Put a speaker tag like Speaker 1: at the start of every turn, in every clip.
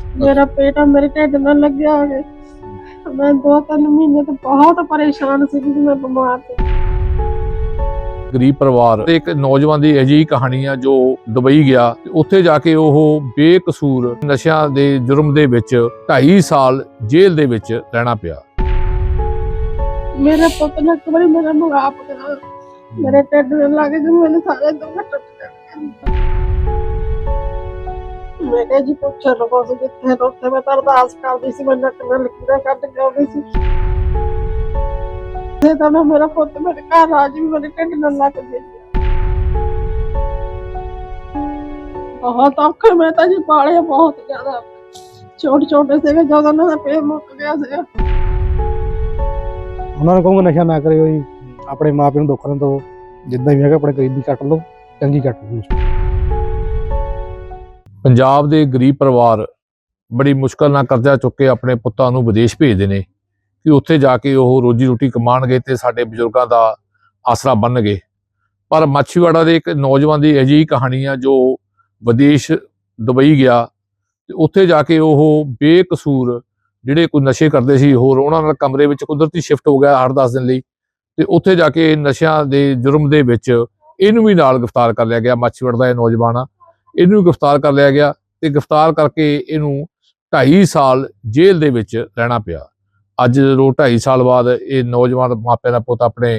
Speaker 1: मेरा पेट मेरे ढिड नाल लग्या होवे। मैं 2-3 महीने तो बहुत परेशान सी कि मैं बीमार थी।
Speaker 2: ਗਰੀਬ ਪਰਿਵਾਰ ਤੇ ਇੱਕ ਨੌਜਵਾਨ ਦੀ ਅਜਿਹੀ ਕਹਾਣੀ ਆ ਜੋ ਦੁਬਈ ਗਿਆ ਤੇ ਉੱਥੇ ਜਾ ਕੇ ਉਹ ਬੇਕਸੂਰ ਨਸ਼ਿਆਂ ਦੇ ਜੁਰਮ ਦੇ ਵਿੱਚ 2.5 ਸਾਲ ਜੇਲ੍ਹ ਦੇ ਵਿੱਚ ਰਹਿਣਾ ਪਿਆ।
Speaker 1: मेरे पुत ने एक बारी मेरा मुआप करा, मेरे ढिड नाल लग के मेरे सारे दुख टुट गए। मैं कहा जी कुछ लोगों से जिथे रोते मैं तो अरदास करदी सी, मैं नट नाल लकीरां कट के आउंदी सी ते तां मेरा पुत मेरे घर आ जी मेरे ढिड नाल लग के बहुत औखे मैं तो जी पाले बहुत ज्यादा छोटे छोटे से जो उन्होंने पेट मुक गया से।
Speaker 3: ਉਹਨਾਂ ਨੂੰ ਕਹੂੰਗਾ ਨਸ਼ਾ ਨਾ ਕਰਿਓ ਜੀ, ਆਪਣੇ ਮਾਂ ਪਿਓ ਨੂੰ ਦੁੱਖ ਨਾ ਦਿਓ, ਜਿੱਦਾਂ ਵੀ ਹੈਗਾ ਆਪਣੇ ਗਰੀਬੀ ਕੱਟ ਲਓ, ਚੰਗੀ ਕੱਟ ਲਓ।
Speaker 2: ਪੰਜਾਬ ਦੇ ਗਰੀਬ ਪਰਿਵਾਰ ਬੜੀ ਮੁਸ਼ਕਲ ਨਾਲ ਕਰਜ਼ਾ ਚੁੱਕ ਕੇ ਆਪਣੇ ਪੁੱਤਾਂ ਨੂੰ ਵਿਦੇਸ਼ ਭੇਜਦੇ ਨੇ ਕਿ ਉੱਥੇ ਜਾ ਕੇ ਉਹ ਰੋਜੀ ਰੋਟੀ ਕਮਾਉਣਗੇ ਤੇ ਸਾਡੇ ਬਜ਼ੁਰਗਾਂ ਦਾ ਆਸਰਾ ਬਣਨਗੇ। ਪਰ ਮਾਛੀਵਾੜਾ ਦੇ ਇੱਕ ਨੌਜਵਾਨ ਦੀ ਅਜਿਹੀ ਕਹਾਣੀ ਆ ਜੋ ਵਿਦੇਸ਼ ਦੁਬਈ ਗਿਆ ਤੇ ਉੱਥੇ ਜਾ ਕੇ ਉਹ ਬੇਕਸੂਰ ਜਿਹੜੇ ਕੋਈ ਨਸ਼ੇ ਕਰਦੇ ਸੀ ਹੋਰ ਉਹਨਾਂ ਨਾਲ ਕਮਰੇ ਵਿੱਚ ਕੁਦਰਤੀ ਸ਼ਿਫਟ ਹੋ ਗਿਆ 8-10 ਦਿਨ ਲਈ ਤੇ ਉੱਥੇ ਜਾ ਕੇ ਨਸ਼ਿਆਂ ਦੇ ਜੁਰਮ ਦੇ ਵਿੱਚ ਇਹਨੂੰ ਵੀ ਨਾਲ ਗ੍ਰਿਫਤਾਰ ਕਰ ਲਿਆ ਗਿਆ। ਮਾਛੀਵਾੜਾ ਦਾ ਇਹ ਨੌਜਵਾਨ ਆ, ਇਹਨੂੰ ਵੀ ਗ੍ਰਿਫਤਾਰ ਕਰ ਲਿਆ ਗਿਆ ਤੇ ਗ੍ਰਿਫਤਾਰ ਕਰਕੇ ਇਹਨੂੰ 2.5 ਸਾਲ ਜੇਲ੍ਹ ਦੇ ਵਿੱਚ ਰਹਿਣਾ ਪਿਆ। ਅੱਜ ਜਦੋਂ 2.5 ਸਾਲ ਬਾਅਦ ਇਹ ਨੌਜਵਾਨ ਮਾਪਿਆਂ ਦਾ ਪੁੱਤ ਆਪਣੇ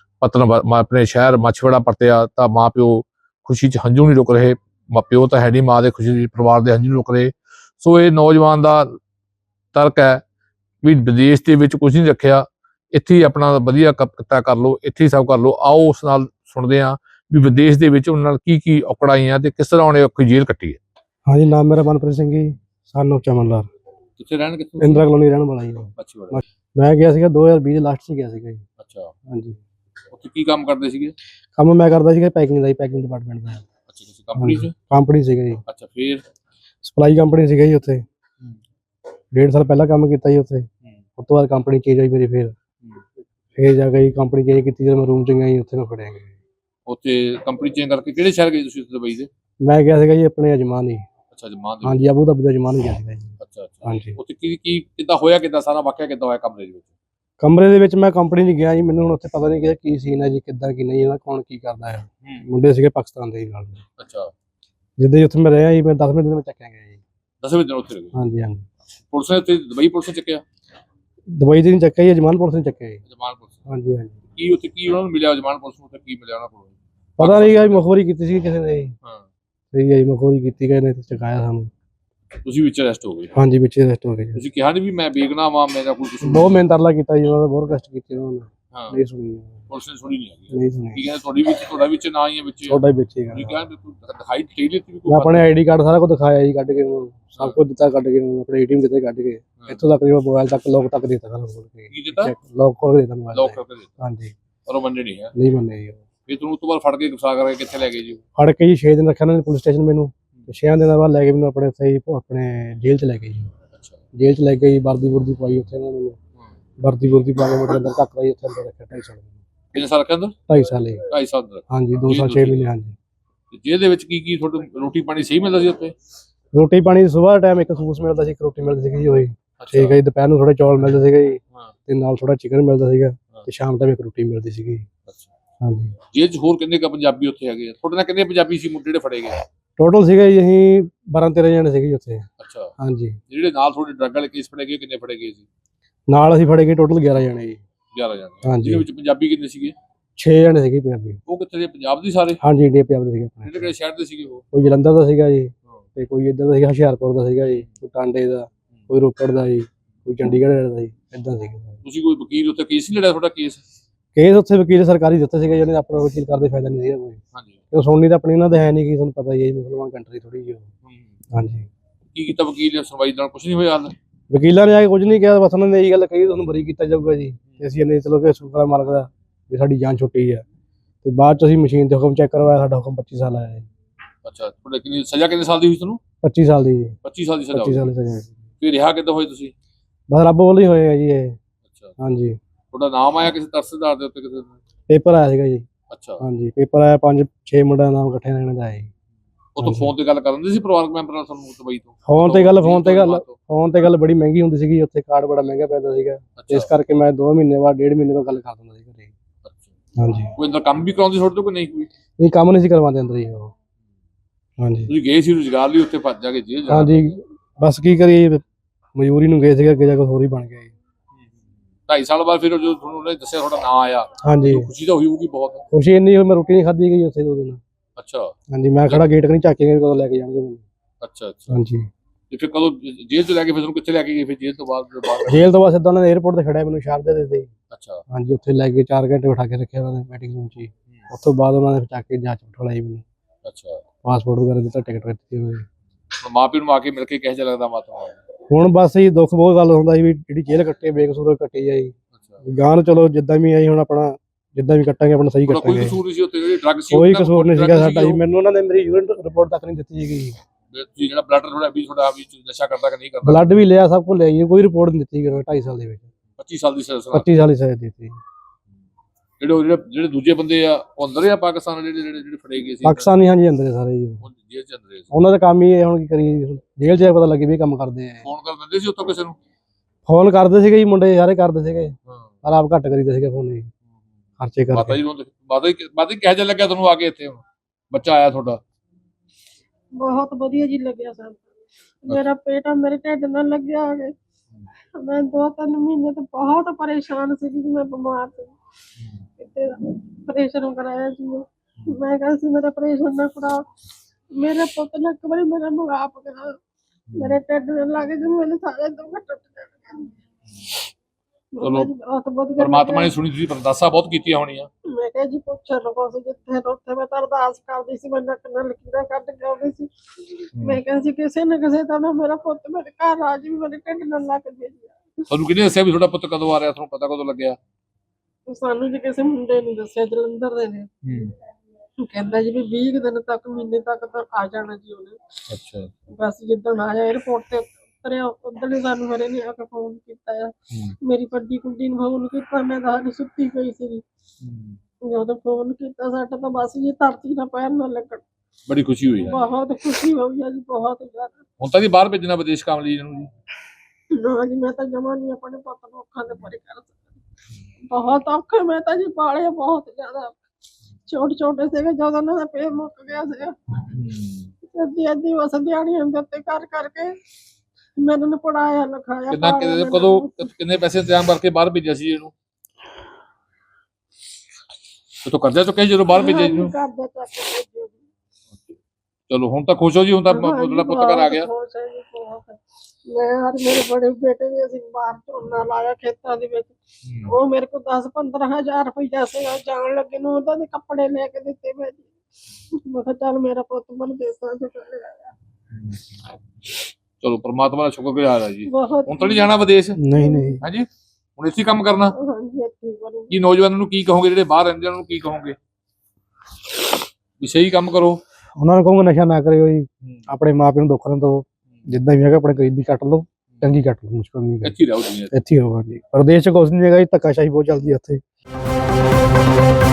Speaker 2: ਆਪਣੇ ਸ਼ਹਿਰ ਮਾਛੀਵਾੜਾ ਪਰਤਿਆ ਤਾਂ ਮਾਂ ਪਿਓ ਖੁਸ਼ੀ 'ਚ ਹੰਝੂ ਨਹੀਂ ਰੁਕ ਰਹੇ। ਪਿਓ ਤਾਂ ਹੈ ਨਹੀਂ, ਮਾਂ ਦੇ ਖੁਸ਼ੀ ਪਰਿਵਾਰ ਦੇ ਹੰਝੂ ਨਹੀਂ ਰੁਕ ਰਹੇ। ਸੋ ਇਹ ਨੌਜਵਾਨ ਦਾ ਤਰਕ ਹੈ ਵੀ ਵਿਦੇਸ਼ ਦੇ ਵਿੱਚ ਕੁਝ ਨਹੀਂ ਰੱਖਿਆ, ਇੱਥੇ ਹੀ ਆਪਣਾ ਵਧੀਆ ਕਿੱਤਾ ਕਰ ਲਓ, ਇੱਥੇ ਹੀ ਸਭ ਕਰ ਲਓ। ਆਓ ਉਸ ਨਾਲ ਸੁਣਦੇ ਹਾਂ ਵੀ ਵਿਦੇਸ਼ ਦੇ ਵਿੱਚ ਉਹਨਾਂ ਨਾਲ ਕੀ ਕੀ ਔਕੜਾਂ ਆਈਆਂ ਤੇ ਕਿਸ ਤਰ੍ਹਾਂ ਉਹਨੇ ਔਖੀ ਜੇਲ੍ਹ ਕੱਟੀ ਹੈ।
Speaker 3: ਹਾਂਜੀ, ਨਾਮ ਮੇਰਾ ਮਨਪ੍ਰੀਤ ਸਿੰਘ ਜੀ, ਸਾਨੂੰ ਚਮਨ ਲਾਲ,
Speaker 2: ਕਿੱਥੇ ਰਹਿਣ ਕਿੱਥੋਂ?
Speaker 3: ਇੰਦਰਾ ਕਲੋਨੀ ਰਹਿਣ ਵਾਲਾ ਜੀ।
Speaker 2: ਮਾਛੀਵਾੜਾ।
Speaker 3: ਮੈਂ ਗਿਆ ਸੀਗਾ 2020 ਦੇ ਲਾਸਟ 'ਚ ਗਿਆ ਸੀਗਾ ਜੀ।
Speaker 2: ਅੱਛਾ,
Speaker 3: ਹਾਂਜੀ,
Speaker 2: ਉੱਥੇ ਕੀ ਕੰਮ ਕਰਦੇ ਸੀਗੇ?
Speaker 3: ਕੰਮ ਮੈਂ ਕਰਦਾ ਸੀਗਾ ਪੈਕਿੰਗ ਦਾ ਜੀ, ਪੈਕਿੰਗ ਡਿਪਾਰਟਮੈਂਟ ਦਾ।
Speaker 2: ਅੱਛਾ, ਕਿਸੇ ਕੰਪਨੀ 'ਚ?
Speaker 3: ਕੰਪਨੀ ਸੀਗਾ ਜੀ,
Speaker 2: ਅੱਛਾ, ਫਿਰ
Speaker 3: ਸਪਲਾਈ ਕੰਪਨੀ ਸੀਗਾ ਜੀ। ਉੱਥੇ 1.5 ਸਾਲ ਪਹਿਲਾਂ ਕੰਮ ਕੀਤਾ ਜੀ ਉੱਥੇ। ਉਸ ਤੋਂ ਬਾਅਦ ਕੰਪਨੀ ਚੇਂਜ ਹੋਈ ਮੇਰੀ, ਫਿਰ ਜਾ ਕੇ ਕੰਪਨੀ ਚੇਂਜ ਕੀਤੀ। ਜਦੋਂ ਮੈਂ ਰੂਮ 'ਚ ਗਿਆ ਜੀ ਉੱਥੇ ਮੈਂ ਫੜਿਆ ਗਿਆ।
Speaker 2: ਉੱਥੇ ਕੰਪਨੀ ਚੇਂਜ ਕਰਕੇ ਕਿਹੜੇ ਸ਼ਹਿਰ ਗਏ ਤੁਸੀਂ ਦੁਬਈ ਦੇ?
Speaker 3: ਮੈਂ ਗਿਆ ਸੀਗਾ ਜੀ ਆਪਣੇ ਅਜਮਾਨ ਹੀ।
Speaker 2: ਅੱਛਾ, ਜਮਾਨ ਦੇ।
Speaker 3: ਹਾਂਜੀ, ਅਬੂ ਧਾਬੀ ਦਾ ਅਜਮਾਨ ਗਿਆ ਸੀਗਾ ਜੀ।
Speaker 2: ਅੱਛਾ ਅੱਛਾ,
Speaker 3: ਹਾਂਜੀ,
Speaker 2: ਉੱਥੇ ਕੀ ਕਿੱਦਾਂ ਹੋਇਆ, ਕਿੱਦਾਂ ਸਾਰਾ ਵਾਕਿਆ ਕਿੱਦਾਂ ਹੋਇਆ ਕਮਰੇ ਦੇ ਵਿੱਚ?
Speaker 3: ਕਮਰੇ ਦੇ ਵਿੱਚ ਮੈਂ ਕੰਪਨੀ 'ਚ ਗਿਆ ਜੀ, ਮੈਨੂੰ ਹੁਣ ਉੱਥੇ ਪਤਾ ਨਹੀਂ ਕਿ ਕੀ ਸੀਨ ਹੈ ਜੀ, ਕਿੱਦਾਂ ਕੀ ਨਹੀਂ, ਇਹਦਾ ਕੌਣ ਕੀ ਕਰਦਾ ਹੈ। ਮੁੰਡੇ ਸੀਗੇ ਪਾਕਿਸਤਾਨ ਦੇ ਨਾਲ।
Speaker 2: ਅੱਛਾ,
Speaker 3: ਜਿੱਦਾਂ ਹੀ ਉੱਥੇ ਮੈਂ ਰਿਹਾ ਜੀ, ਮੈਂ 10 ਮਿੰਟ ਦੇ ਵਿੱਚ ਚੱਕਿਆ ਗਿਆ ਜੀ।
Speaker 2: 10ਵੇਂ ਦਿਨ ਉੱਥੇ ਰਹੇ?
Speaker 3: ਹਾਂਜੀ ਹਾਂਜੀ,
Speaker 2: ਪੁਲਿਸ ਨੇ ਉੱਥੇ ਦੁਬਈ ਪੁਲਿਸ ਨੇ ਚੱਕਿਆ?
Speaker 3: ਦੁਬਈ ਦੇ ਨਹੀਂ ਚੱਕਿਆ ਜੀ, ਅਜਮਾਨ ਪੁਲਿਸ ਨੇ ਚੱਕਿਆ ਜੀ।
Speaker 2: ਜਮਾਨ ਪੁਲਿਸ?
Speaker 3: ਹਾਂਜੀ ਹਾਂਜੀ,
Speaker 2: ਕੀ ਉੱਥੇ ਕੀ ਉਹਨਾਂ ਨੂੰ ਮਿਲਿਆ ਜਮਾਨ ਪੁਲਿਸ ਨੂੰ, ਉੱਥੇ ਕੀ ਮਿਲਿਆ ਉਹਨਾਂ ਕੋਲ?
Speaker 3: ਪਤਾ ਨਹੀਂ ਗਾ ਜੀ, ਮੁਖਬਰੀ ਕੀਤੀ ਸੀ ਕਿਸੇ ਨੇ ਜੀ।
Speaker 2: ਹਾਂ,
Speaker 3: ਸਹੀ ਹੈ ਜੀ, ਮੁਖਬਰੀ ਕੀਤੀ ਗਏ ਨੇ ਤੇ ਚਕਾਇਆ ਸਾਨੂੰ।
Speaker 2: ਤੁਸੀਂ ਵਿੱਚ ਅਰੈਸਟ ਹੋ ਗਏ?
Speaker 3: ਹਾਂਜੀ, ਵਿੱਚ ਅਰੈਸਟ ਹੋ ਗਏ ਜੀ।
Speaker 2: ਤੁਸੀਂ ਕਿਹਾ ਨਹੀਂ ਵੀ ਮੈਂ ਬੇਗੁਨਾਹ ਵਾਂ, ਮੇਰਾ ਕੋਈ ਕਸੂਰ
Speaker 3: ਬਹੁਤ ਮਿਹਨਤ ਤਰਲਾ ਕੀਤਾ ਜੀ ਉਹਨਾਂ ਦਾ, ਬਹੁਤ ਕਸ਼ਟ ਕੀਤੇ ਉਹਨਾਂ ਨੇ।
Speaker 2: ਹਾਂ,
Speaker 3: ਨਹੀਂ ਸੁਣੀ,
Speaker 2: ਪੁਲਿਸ ਨੇ ਸੁਣੀ ਨਹੀਂ ਹੈਗੀ।
Speaker 3: ਨਹੀਂ ਸੁਣੀ।
Speaker 2: ਕੀ ਕਹਿੰਦੇ ਤੁਹਾਡਾ ਵਿੱਚ ਨਾ ਹੀ ਹੈ ਵਿੱਚ?
Speaker 3: ਛੋਟਾ ਹੀ ਵਿੱਚ ਹੀ
Speaker 2: ਤੁਸੀਂ ਕਹਿੰਦੇ ਦਿਖਾਈ ਦੇ ਦਿੱਤੀ ਵੀ
Speaker 3: ਮੈਂ ਆਪਣੇ ਆਈਡੀ ਕਾਰਡ ਸਾਰਾ ਕੁਝ ਦਿਖਾਇਆ ਜੀ, ਕੱਢ ਕੇ ਉਹਨੂੰ ਸਭ ਕੁਝ ਦਿੱਤਾ, ਕੱਢ ਕੇ ਉਹਨੂੰ ਆਪਣੇ ਏਟੀਐਮ ਦਿੱਤੇ, ਕੱਢ ਕੇ ਇੱਥੋਂ ਤੱਕ ਮੋਬਾਈਲ ਤੱਕ ਲੋਕ ਤੱਕ ਦਿੱਤਾ ਸਾਰਾ ਖੋਲ ਕੇ।
Speaker 2: ਕੀ ਦਿੱਤਾ?
Speaker 3: ਲੋਕ ਖੋਲ ਕੇ ਦਿੱਤਾ ਮੋਬਾਈਲ।
Speaker 2: ਲੋਕ ਕਰਕੇ ਦਿੱਤਾ?
Speaker 3: ਹਾਂਜੀ,
Speaker 2: ਪਰ ਉਹ ਮੰਨੇ ਨਹੀਂ ਹੈ?
Speaker 3: ਨਹੀਂ ਮੰਨੇ ਜੀ।
Speaker 2: ਫਿਰ ਤੁਹਾਨੂੰ ਉਸ ਤੋਂ ਬਾਅਦ ਫੜ ਕੇ ਗੁਸਾ ਕਰਕੇ ਕਿੱਥੇ ਲੈ ਗਏ ਜੀ?
Speaker 3: ਫੜ ਕੇ ਜੀ 6 ਦਿਨ ਰੱਖਿਆ ਉਹਨਾਂ ਨੇ ਪੁਲਿਸ ਸਟੇਸ਼ਨ ਮੈਨੂੰ, ਤੇ 6 ਦਿਨਾਂ ਬਾਅਦ ਲੈ ਕੇ ਮੈਨੂੰ ਆਪਣੇ ਸਹੀ ਆਪਣੇ ਜੇਲ੍ਹ 'ਚ ਲੈ ਗਏ ਜੀ।
Speaker 2: ਅੱਛਾ,
Speaker 3: ਜੇਲ੍ਹ 'ਚ ਲੈ ਕੇ ਜੀ ਵਰਦੀ ਵੁਰਦੀ ਪਾਈ ਉੱਥੇ ਉਹਨਾਂ ਨੇ, ਵਰਦੀ ਵੁਰਦੀ ਪਾ ਕੇ ਮੇਰੇ ਅੰਦਰ ਧੱਕ ਲਾਈ, ਉੱਥੇ ਅੰਦਰ ਰੱਖਿਆ 2.5 ਸਾਲ।
Speaker 2: ਕਿੰਨੇ ਸਾਲ ਰੱਖਿਆ ਅੰਦਰ?
Speaker 3: 2.5 ਸਾਲ ਜੀ।
Speaker 2: 2.5 ਸਾਲ ਅੰਦਰ?
Speaker 3: ਹਾਂਜੀ, 2 ਸਾਲ 6 ਮਹੀਨੇ। ਹਾਂਜੀ,
Speaker 2: ਤੇ ਜੇਲ੍ਹ ਦੇ ਵਿੱਚ ਕੀ ਤੁਹਾਨੂੰ ਰੋਟੀ ਪਾਣੀ ਸਹੀ ਮਿਲਦਾ ਸੀ ਉੱਥੇ?
Speaker 3: ਰੋਟੀ ਪਾਣੀ ਸਵੇਰ ਟਾਈਮ ਇੱਕ ਖੂਸ ਮਿਲਦਾ ਸੀ, ਇੱਕ ਰੋਟੀ ਮਿਲਦੀ ਸੀਗੀ ਜੀ ਉਹੀ। ਠੀਕ ਹੈ ਜੀ, ਦੁਪਹਿਰ ਨੂੰ ਥੋੜੇ ਚੌਲ ਮਿਲਦੇ ਸੀਗੇ ਜੀ, ਤੇ ਨਾਲ ਥੋੜਾ ਚਿਕਨ ਮਿਲਦਾ ਸੀਗਾ, ਤੇ ਸ਼ਾਮ ਟਾਈਮ ਇੱਕ ਰੋਟੀ ਮਿਲਦੀ ਸੀਗੀ।
Speaker 2: ਅੱਛਾ,
Speaker 3: ਹਾਂਜੀ,
Speaker 2: ਜੇਲ੍ਹ 'ਚ ਹੋਰ ਕਿੰਨੇ ਕ ਪੰਜਾਬੀ ਉੱਥੇ ਹੈਗੇ? ਤੁਹਾਡੇ ਨਾਲ ਕਿੰਨੇ ਪੰਜਾਬੀ ਸੀ ਮੁੰਡੇ ਜਿਹੜੇ ਫੜੇ ਗਏ?
Speaker 3: ਟੋਟਲ ਸੀਗਾ ਜੀ ਅਸੀਂ 12-13 ਜਣੇ ਸੀਗੇ ਜੀ ਉੱਥੇ।
Speaker 2: ਅੱਛਾ,
Speaker 3: ਹਾਂਜੀ,
Speaker 2: ਜਿਹੜੇ ਨਾਲ ਤੁਹਾਡੇ ਡਰੱਗ ਵਾਲੇ ਕੇਸ ਫੜੇ ਗਏ ਕਿੰਨੇ ਫੜੇ ਗਏ ਸੀ?
Speaker 3: ਨਾਲ ਅਸੀਂ ਫੜੇ ਗਏ ਟੋਟਲ 11 ਜਣੇ ਜੀ।
Speaker 2: 11 ਜਣੇ?
Speaker 3: ਹਾਂਜੀ,
Speaker 2: ਜਿਹਦੇ ਵਿੱਚ ਪੰਜਾਬੀ ਕਿੰਨੇ ਸੀਗੇ?
Speaker 3: 6 ਜਣੇ ਸੀਗੇ ਪੰਜਾਬੀ।
Speaker 2: ਉਹ ਕਿੱਥੇ ਦੇ, ਪੰਜਾਬ ਦੇ ਸਾਰੇ?
Speaker 3: ਹਾਂਜੀ, ਇੰਡੀਆ ਪੰਜਾਬ ਦੇ ਸੀਗੇ ਆਪਣੇ।
Speaker 2: ਕਿਹੜੇ ਸ਼ਹਿਰ ਦੇ ਸੀਗੇ ਉਹ?
Speaker 3: ਕੋਈ ਜਲੰਧਰ ਦਾ ਸੀਗਾ ਜੀ, ਤੇ ਕੋਈ ਇੱਧਰ ਦਾ ਸੀਗਾ ਹੁਸ਼ਿਆਰਪੁਰ ਦਾ ਸੀਗਾ ਜੀ, ਕੋਈ ਟਾਂਡੇ ਦਾ, ਕੋਈ ਰੋਪੜ ਦਾ ਜੀ, ਕੋਈ ਚੰਡੀਗੜ੍ਹ ਦਾ ਜੀ, ਇੱਦਾਂ ਸੀਗਾ।
Speaker 2: ਤੁਸੀਂ ਕੋਈ ਵਕੀਲ ਉੱਥੇ ਕੇਸ ਨਹੀਂ ਲੜਿਆ ਤੁਹਾਡਾ? ਕੇਸ
Speaker 3: ਉੱਥੇ ਵਕੀਲ ਸਰਕਾਰੀ ਦਿੱਤੇ ਸੀਗੇ, ਜਿਹਨੇ ਆਪਣਾ ਵਕੀਲ ਕਰਦੇ ਫਾਇਦਾ ਨਹੀਂ ਸੀਗਾ ਕੋਈ।
Speaker 2: ਹਾਂਜੀ,
Speaker 3: ਤੇ ਸੁਣਨੀ ਤਾਂ ਆਪਣੀ ਉਹਨਾਂ ਦੇ ਹੈ ਨਹੀਂ, ਕਿ ਤੁਹਾਨੂੰ ਪਤਾ ਹੀ ਹੈ ਜੀ, ਮੁਸਲਮਾਨ ਕੰਟਰੀ ਥੋੜੀ ਜਿਹੀ। ਹਾਂਜੀ,
Speaker 2: ਕੀ ਕੀਤਾ ਵਕੀਲ ਨੇ? ਸੁਣਵਾਈ ਨਾਲ ਕੁਝ ਨਹੀਂ ਹੋਇਆ ਹਾਲ?
Speaker 3: ਵਕੀਲਾਂ ਨੇ ਆ ਕੇ ਕੁਝ ਨਹੀਂ ਕਿਹਾ, ਬਸ ਉਹਨਾਂ ਨੇ ਇਹੀ ਗੱਲ ਕਹੀ ਤੁਹਾਨੂੰ ਬਰੀ ਕੀਤਾ ਜਾਊਗਾ ਜੀ। ਤੇ ਅਸੀਂ ਇਹਨੇ ਚਲੋ ਕਿ ਸ਼ੁਕਰ ਮਾਲਕ ਦਾ ਵੀ ਸਾਡੀ ਜਾਨ ਛੁੱਟੀ ਆ। ਤੇ ਬਾਅਦ ਚ ਅਸੀਂ ਮਸ਼ੀਨ ਤੇ ਹੁਕਮ ਚੈੱਕ ਕਰਵਾਇਆ, ਸਾਡਾ ਹੁਕਮ 25 ਸਾਲ ਆਇਆ ਜੀ।
Speaker 2: ਅੱਛਾ, ਤੁਹਾਡੇ ਕਿੰਨੀ ਸਜ਼ਾ ਕਿੰਨੇ ਸਾਲ ਦੀ ਹੋਈ ਤੁਹਾਨੂੰ?
Speaker 3: 25 ਸਾਲ ਦੀ ਜੀ।
Speaker 2: 25 ਸਾਲ ਦੀ ਸਜ਼ਾ
Speaker 3: 25
Speaker 2: ਹੋਈ?
Speaker 3: ਸਾਲ ਦੀ ਸਜ਼ਾ।
Speaker 2: ਫਿਰ ਰਿਹਾ ਕਿੱਦਾਂ ਹੋਏ ਤੁਸੀਂ?
Speaker 3: ਬਸ ਰੱਬ ਵੱਲੋਂ ਹੀ ਹੋਏ ਆ ਜੀ ਇਹ।
Speaker 2: ਅੱਛਾ,
Speaker 3: ਹਾਂਜੀ,
Speaker 2: ਤੁਹਾਡਾ ਨਾਮ ਆਇਆ ਕਿਸੇ ਤਰਸਦਾਰ ਦੇ ਉੱਤੇ ਕਿਸੇ ਦਾ?
Speaker 3: ਪੇਪਰ ਆਇਆ ਸੀਗਾ ਜੀ।
Speaker 2: ਅੱਛਾ,
Speaker 3: ਹਾਂਜੀ, ਪੇਪਰ ਆਇਆ, 5-6 ਮੁੰਡਿਆਂ ਦਾ ਨਾਮ ਇਕੱਠੇ ਰਹਿਣ ਦਾ ਆਇਆ ਜੀ।
Speaker 2: ਉਹ ਤੋਂ ਫੋਨ ਤੇ ਗੱਲ ਕਰਨ ਦੇ ਸੀ ਪਰਿਵਾਰਕ ਮੈਂਬਰ ਨਾਲ ਤੁਹਾਨੂੰ ਦੁਬਈ ਤੋਂ?
Speaker 3: ਫੋਨ ਤੇ ਗੱਲ ਬੜੀ ਮਹਿੰਗੀ ਹੁੰਦੀ ਸੀਗੀ ਉੱਥੇ, ਕਾਰਡ ਬੜਾ ਮਹਿੰਗਾ ਪੈਂਦਾ ਸੀਗਾ, ਇਸ ਕਰਕੇ ਮੈਂ 2 ਮਹੀਨੇ ਬਾਅਦ 1.5 ਮਹੀਨੇ ਬਾਅਦ ਗੱਲ ਕਰ ਦਿੰਦਾ ਸੀ ਘਰੇ। ਹਾਂਜੀ।
Speaker 2: ਕੋਈ ਅੰਦਰ ਕੰਮ ਵੀ ਕਰਾਉਂਦੇ ਛੋੜ ਤੋਂ ਕਿ ਨਹੀਂ? ਕੋਈ
Speaker 3: ਨਹੀਂ, ਕੰਮ ਨਹੀਂ ਸੀ ਕਰਵਾਉਂਦੇ ਅੰਦਰ ਹੀ ਉਹ। ਹਾਂਜੀ।
Speaker 2: ਤੁਸੀਂ ਗਏ ਸੀ ਰੁਜ਼ਗਾਰ ਲਈ ਉੱਥੇ, ਭੱਜ ਜਾ ਕੇ ਜੇਲ੍ਹ ਜਾਣਾ?
Speaker 3: ਹਾਂਜੀ, ਬਸ ਕੀ ਕਰੀਏ, ਮਜ਼ਦੂਰੀ ਨੂੰ ਗਏ ਸੀਗੇ, ਅੱਗੇ ਜਾ ਕੇ ਹੋਰ ਹੀ ਬਣ ਗਿਆ ਜੀ।
Speaker 2: 2.5 ਸਾਲ ਬਾਅਦ ਫਿਰ ਜਦੋਂ ਤੁਹਾਨੂੰ ਉਹਨੇ ਦੱਸਿਆ ਤੁਹਾਡਾ ਨਾਂ ਆਇਆ,
Speaker 3: ਹਾਂਜੀ,
Speaker 2: ਖੁਸ਼ੀ ਤਾਂ ਹੋਈ ਹੋਊਗੀ ਬਹੁਤ?
Speaker 3: ਖੁਸ਼ੀ ਇੰਨੀ ਹੋਈ, ਮੈਂ ਰੋਟੀ ਨਹੀਂ ਖਾਧੀ ਗਈ ਉੱਥੇ 2 ਦਿਨ।
Speaker 2: ਅੱਛਾ।
Speaker 3: ਹਾਂਜੀ, ਮੈਂ ਖੜਾ ਗੇਟ ਨਹੀਂ ਝਾਕੇਗੇ ਕਦੋਂ ਲੈ ਕੇ ਜਾਣਗੇ ਮੈਨੂੰ।
Speaker 2: ਅੱਛਾ ਅੱਛਾ।
Speaker 3: ਹਾਂਜੀ।
Speaker 2: ਤੇ ਫਿਰ ਕਦੋਂ ਜੇਲ੍ਹ ਤੋਂ ਲੈ ਕੇ ਫਿਰ ਤੁਹਾਨੂੰ ਕਿੱਥੇ ਲੈ ਕੇ ਗਏ ਫਿਰ ਜੇਲ੍ਹ ਤੋਂ ਬਾਅਦ?
Speaker 3: ਜੇਲ੍ਹ ਤੋਂ ਬਾਅਦ ਸਿੱਧਾ ਉਹਨਾਂ ਨੇ 에어ਪੋਰਟ ਤੇ ਖੜਿਆ ਮੈਨੂੰ, ਸ਼ਾਰਜਾ ਦੇ ਦਿੱਤੇ।
Speaker 2: ਅੱਛਾ।
Speaker 3: ਹਾਂਜੀ, ਉੱਥੇ ਲੈ ਕੇ 4 ਘੰਟੇ ਬਿਠਾ ਕੇ ਰੱਖਿਆ ਉਹਨਾਂ ਨੇ ਮੀਟਿੰਗ ਰੂਮ 'ਚ ਹੀ। ਉਸ ਤੋਂ ਬਾਅਦ ਉਹਨਾਂ ਨੇ ਚੱਕ ਕੇ ਜਾਂਚ ਬਿਠਾਈ ਮੈਨੂੰ।
Speaker 2: ਅੱਛਾ।
Speaker 3: ਪਾਸਪੋਰਟ ਵਗੈਰਾ ਦਿੱਤਾ, ਟਿਕਟ ਦਿੱਤੀ ਉਹਨਾਂ ਨੇ।
Speaker 2: ਮਾਂ ਪਿਓ ਨੂੰ ਆ ਕੇ ਮਿਲ ਕੇ ਕਿਹੋ ਜਿਹਾ ਲੱਗਦਾ ਮਾਤਾ?
Speaker 3: ਹੁਣ ਬਸ ਜੀ ਦੁੱਖ ਬਹੁਤ ਗੱਲ ਹੁੰਦਾ ਸੀ ਵੀ ਜਿਹੜੀ ਜੇਲ੍ਹ ਕੱਟੇ ਬੇਕਸੂਰ ਕੱਟੀ ਜਾਈ।
Speaker 2: ਅੱਛਾ।
Speaker 3: ਗਾਂ ਚਲੋ ਜਿੱਦਾਂ ਵੀ ਆਈ, ਹੁਣ ਆਪਣਾ ਜਿੱਦਾਂ ਵੀ ਕੱਟਾਂਗੇ ਆਪਣਾ ਸਹੀ
Speaker 2: ਕੋਈ
Speaker 3: ਕੱਟਾਂਗੇ।
Speaker 2: ਕਸੂਰ ਨਹੀਂ ਸੀ ਉੱਥੇ? ਜਿਹੜੀ ਡਰੱਗ ਸੀ
Speaker 3: ਕੋਈ ਕਸੂਰ ਨਹੀਂ ਸੀਗਾ ਸਾਡਾ ਜੀ, ਮੈਨੂੰ ਉਹਨਾਂ ਨੇ ਮੇਰੀ ਯੂਰਿਨ ਰਿਪੋਰਟ ਤੱਕ ਨਹੀਂ ਦਿੱਤੀ ਸੀਗੀ।
Speaker 2: ਤੁਸੀਂ ਜਿਹੜਾ ਬਲੱਡ ਤੁਹਾਡਾ ਵੀ ਨਸ਼ਾ ਕਰਦਾ ਕਿ ਨਹੀਂ ਕਰਦਾ?
Speaker 3: ਬਲੱਡ ਵੀ ਲਿਆ, ਸਭ ਕੁਝ ਲਿਆ ਜੀ, ਕੋਈ ਰਿਪੋਰਟ ਨਹੀਂ ਦਿੱਤੀ 2.5 ਸਾਲ ਦੇ ਵਿੱਚ।
Speaker 2: 25 ਸਾਲ ਦੀ ਸਜ਼ਾ?
Speaker 3: 25 ਸਾਲ ਦੀ ਸਜ਼ਾ ਦਿੱਤੀ।
Speaker 2: ਜਿਹੜੇ ਦੂਜੇ ਬੰਦੇ ਆ ਉਹ ਅੰਦਰ ਆ ਪਾਕਿਸਤਾਨ, ਜਿਹੜੇ ਫੜੇ ਗਏ ਸੀ
Speaker 3: ਪਾਕਿਸਤਾਨੀ? ਹਾਂਜੀ, ਅੰਦਰ ਸਾਰੇ ਜੀ,
Speaker 2: ਉਹ ਜੇਲ੍ਹ ਚ ਅੰਦਰ ਸੀ।
Speaker 3: ਉਹਨਾਂ ਦਾ ਕੰਮ ਹੀ ਇਹ, ਹੁਣ ਕੀ ਕਰੀਏ, ਜੇਲ੍ਹ 'ਚ ਪਤਾ ਲੱਗੇ ਵੀ ਇਹ ਕੰਮ ਕਰਦੇ ਆ।
Speaker 2: ਫੋਨ ਕਰ ਦਿੰਦੇ ਸੀ ਉੱਥੋਂ ਕਿਸੇ ਨੂੰ?
Speaker 3: ਫੋਨ ਕਰਦੇ ਸੀਗੇ ਜੀ, ਮੁੰਡੇ ਸਾਰੇ ਕਰਦੇ ਸੀਗੇ, ਪਰ ਆਪ ਘੱਟ ਕਰੀਦੇ ਸੀਗੇ ਫੋਨ ਜੀ, ਖਰਚੇ
Speaker 2: ਮਾਤਾ
Speaker 3: ਕਰਕੇ।
Speaker 2: ਜੀ ਨੂੰ ਮਾਤਾ ਜੀ ਕਿਹੋ ਜਿਹਾ ਲੱਗਿਆ ਤੁਹਾਨੂੰ ਆ ਕੇ ਇੱਥੇ? ਹੁਣ ਬੱਚਾ ਆਇਆ ਤੁਹਾਡਾ?
Speaker 1: ਬਹੁਤ ਵਧੀਆ ਜੀ ਲੱਗਿਆ ਸਰ। ਮੇਰਾ ਪੇਟ ਮੇਰੇ ਢਿੱਡ ਨਾਲ ਲੱਗਿਆ ਆ ਕੇ। ਮੈਂ 2-3 ਮਹੀਨੇ ਤੋਂ ਬਹੁਤ ਪਰੇਸ਼ਾਨ ਸੀ ਕਿ ਮੈਂ ਬਿਮਾਰ ਸੀ, ਕਿਤੇ ਆਪਰੇਸ਼ਨ ਕਰਾਇਆ ਸੀ ਮੈਂ ਕਿਹਾ ਸੀ ਮੇਰਾ ਆਪਰੇਸ਼ਨ ਨਾ ਕਰਾ। ਮੇਰੇ ਪੁੱਤ ਨੇ ਇੱਕ ਵਾਰੀ ਮੇਰਾ ਮੁਗਾਪ ਕਰਾ, ਮੇਰੇ ਢਿੱਡ ਨਾਲ ਲੱਗ ਕੇ ਮੇਰੇ ਸਾਰੇ ਦੁੱਖ ਟੁੱਟ ਗਏ।
Speaker 2: ਚਲੋ ਪਰਮਾਤਮਾ ਨੇ ਸੁਣੀ, ਤੁਸੀਂ ਅਰਦਾਸਾਂ ਬਹੁਤ ਕੀਤੀਆਂ ਹੋਣੀਆਂ।
Speaker 1: ਮੈਂ ਕਿਹਾ ਜੀ ਪੁੱਛ ਲਓ ਸੀ ਜਿੱਥੇ ਉੱਥੇ ਮੈਂ ਤਾਂ ਅਰਦਾਸ ਕਰਦੀ ਸੀ, ਮੈਂ ਨੱਕ ਨਾਲ ਲਕੀਰਾਂ ਕੱਢ ਕੇ ਆਉਂਦੀ ਸੀ। ਮੈਂ ਕਿਹਾ ਸੀ ਕਿਸੇ ਨਾ ਕਿਸੇ ਤਰ੍ਹਾਂ ਮੇਰਾ ਪੁੱਤ ਮੇਰੇ ਘਰ ਆ ਜੀ, ਮੇਰੇ ਢਿੱਡ ਨਾਲ ਲੱਗ ਜੇ ਜੀ।
Speaker 2: ਤੁਹਾਨੂੰ ਕਿਹਨੇ ਦੱਸਿਆ ਵੀ ਤੁਹਾਡਾ ਪੁੱਤ ਕਦੋਂ ਆ ਰਿਹਾ? ਤੁਹਾਨੂੰ ਪਤਾ ਕਦੋਂ ਲੱਗਿਆ?
Speaker 1: ਸਾਨੂੰ ਜੀ ਕਿਸੇ ਮੁੰਡੇ ਨੇ ਦੱਸਿਆ, ਜਲੰਧਰ ਦੇ ਨੇ। ਕਹਿੰਦਾ ਜੀ ਵੀ 20 ਦਿਨ ਤੱਕ, ਮਹੀਨੇ ਤੱਕ ਤਾਂ ਆ ਜਾਣਾ ਜੀ ਉਹਨੇ।
Speaker 2: ਅੱਛਾ।
Speaker 1: ਬਸ ਜਿੱਦਣ ਆਇਆ 에어ਪੋਰਟ ਤੇ ਉਤਰਿਆ ਉਦੋਂ ਹੀ ਸਾਨੂੰ ਮੇਰੇ ਨੇ ਆ ਕੇ ਫੋਨ ਕੀਤਾ ਆ। ਮੇਰੀ ਵੱਡੀ ਕੁੜੀ ਨੂੰ ਫੋਨ ਕੀਤਾ, ਮੈਂ ਤਾਂ ਹਾਲੇ ਸੁੱਤੀ ਪਈ ਸੀ। ਜਦੋਂ ਫੋਨ ਕੀਤਾ ਸਾਡਾ ਤਾਂ ਬਸ ਜੀ ਧਰਤੀ ਨਾਲ ਪੈਰ ਨਾ ਲੱਗਣ।
Speaker 2: ਬੜੀ ਖੁਸ਼ੀ ਹੋਈ?
Speaker 1: ਬਹੁਤ ਖੁਸ਼ੀ ਹੋਈ ਆ ਜੀ, ਬਹੁਤ ਜ਼ਿਆਦਾ।
Speaker 2: ਹੁਣ ਤਾਂ ਜੀ ਬਾਹਰ ਭੇਜਣਾ ਵਿਦੇਸ਼ ਕੰਮ ਲਈ ਇਹਨੂੰ ਜੀ?
Speaker 1: ਨਾ ਜੀ, ਮੈਂ ਤਾਂ ਜਮਾ ਨਹੀਂ ਆਪਣੇ ਪੁੱਤ ਨੂੰ ਅੱਖਾਂ ਦੇ ਪਰੇ ਕਰ ਸਕਦੀ। ਬਹੁਤ ਔਖੇ ਮੈਂ ਤਾਂ ਜੀ ਪਾਲੇ, ਬਹੁਤ ਜ਼ਿਆਦਾ ਛੋਟੇ ਸੀਗੇ ਜਦੋਂ ਉਹਨਾਂ ਦਾ ਪੇਟ ਮੁੱਕ ਗਿਆ ਸੀਗਾ। ਅੱਧੀ ਬਸ ਦਿਹਾੜੀਆਂ ਦੇ ਉੱਤੇ ਕਰ ਕਰਕੇ ਮੈਨੂੰ ਨੇ ਪੜਾਇਆ ਲਿਖਾਇਆ।
Speaker 2: ਕਿੰਨੇ ਪੈਸੇ ਇੰਤਜ਼ਾਮ ਕਰਕੇ ਬਾਹਰ ਭੇਜਿਆ ਸੀ ਇਹਨੂੰ? ਤੋ ਕਰਜ਼ਾ ਚੁੱਕਿਆ ਜਦੋਂ ਬਾਹਰ ਭੇਜਿਆ ਇਹਨੂੰ? ਚਲੋ ਹੁਣ ਤਾਂ ਖੁਸ਼ ਹੋ ਜੀ? ਹੁਣ ਤਾਂ ਤੁਹਾਡਾ ਪੁੱਤ ਘਰ ਆ ਗਿਆ?
Speaker 1: ਮੈਂ ਔਰ ਮੇਰੇ ਬੜੇ ਬੇਟੇ ਨੇ ਅਸੀਂ ਬਾਹਰ ਝੋਨਾ ਲਾਇਆ ਖੇਤਾਂ ਦੇ ਵਿੱਚ। ਉਹ ਮੇਰੇ ਕੋਲ 10-15 ਹਜ਼ਾਰ ਰੁਪਈਆ ਸੀਗਾ, ਜਾਣ ਲੱਗੇ ਨੂੰ ਉਹਦਾ ਦੇ ਕੱਪੜੇ ਲੈ ਕੇ ਦਿੱਤੇ ਮੈਂ ਜੀ। ਮੈਂ ਕਿਹਾ ਚੱਲ ਮੇਰਾ ਪੁੱਤ ਵਿਦੇਸ਼ਾਂ 'ਚ ਚਲੇ ਗਿਆ।
Speaker 2: ਚਲੋ ਪਰਮਾਤਮਾ ਦਾ ਸ਼ੁਕਰਗੁਜ਼ਾਰ ਆ ਜੀ।
Speaker 1: ਹੁਣ
Speaker 2: ਤਾਂ ਨਹੀਂ ਜਾਣਾ ਵਿਦੇਸ਼?
Speaker 3: ਨਹੀਂ।
Speaker 2: ਹਾਂਜੀ, ਹੁਣ ਇੱਥੇ ਕੰਮ ਕਰਨਾ?
Speaker 1: ਹਾਂਜੀ, ਇੱਥੇ ਕਰੂੰ।
Speaker 2: ਕੀ ਨੌਜਵਾਨਾਂ ਨੂੰ ਕੀ ਕਹੋਗੇ ਜਿਹੜੇ ਬਾਹਰ ਰਹਿੰਦੇ ਉਹਨਾਂ ਨੂੰ ਕੀ ਕਹੋਗੇ? ਵੀ ਸਹੀ ਕੰਮ ਕਰੋ।
Speaker 3: ਉਹਨਾਂ ਨੂੰ ਕਹੂੰਗਾ ਨਸ਼ਾ ਨਾ ਕਰਿਓ ਜੀ, ਆਪਣੇ ਮਾਪਿਆਂ ਨੂੰ ਦੁੱਖ ਨਾ ਦਿਓ, ਜਿੱਦਾਂ ਵੀ ਹੈਗਾ ਆਪਣੇ ਗਰੀਬੀ ਕੱਟ ਲਓ, ਚੰਗੀ ਕੱਟ ਲਓ, ਮੁਸ਼ਕਲ ਨਹੀਂ।
Speaker 2: ਇੱਥੇ ਰਹੋ ਦੁਨੀਆ 'ਚ।
Speaker 3: ਇੱਥੇ ਹੀ ਰਹੋ ਜੀ, ਪ੍ਰਦੇਸ਼ 'ਚ ਕੁਛ ਨਹੀਂ ਹੈਗਾ ਜੀ, ਧੱਕਾਸ਼ਾਹੀ ਬਹੁਤ ਚੱਲਦੀ ਹੈ ਇੱਥੇ।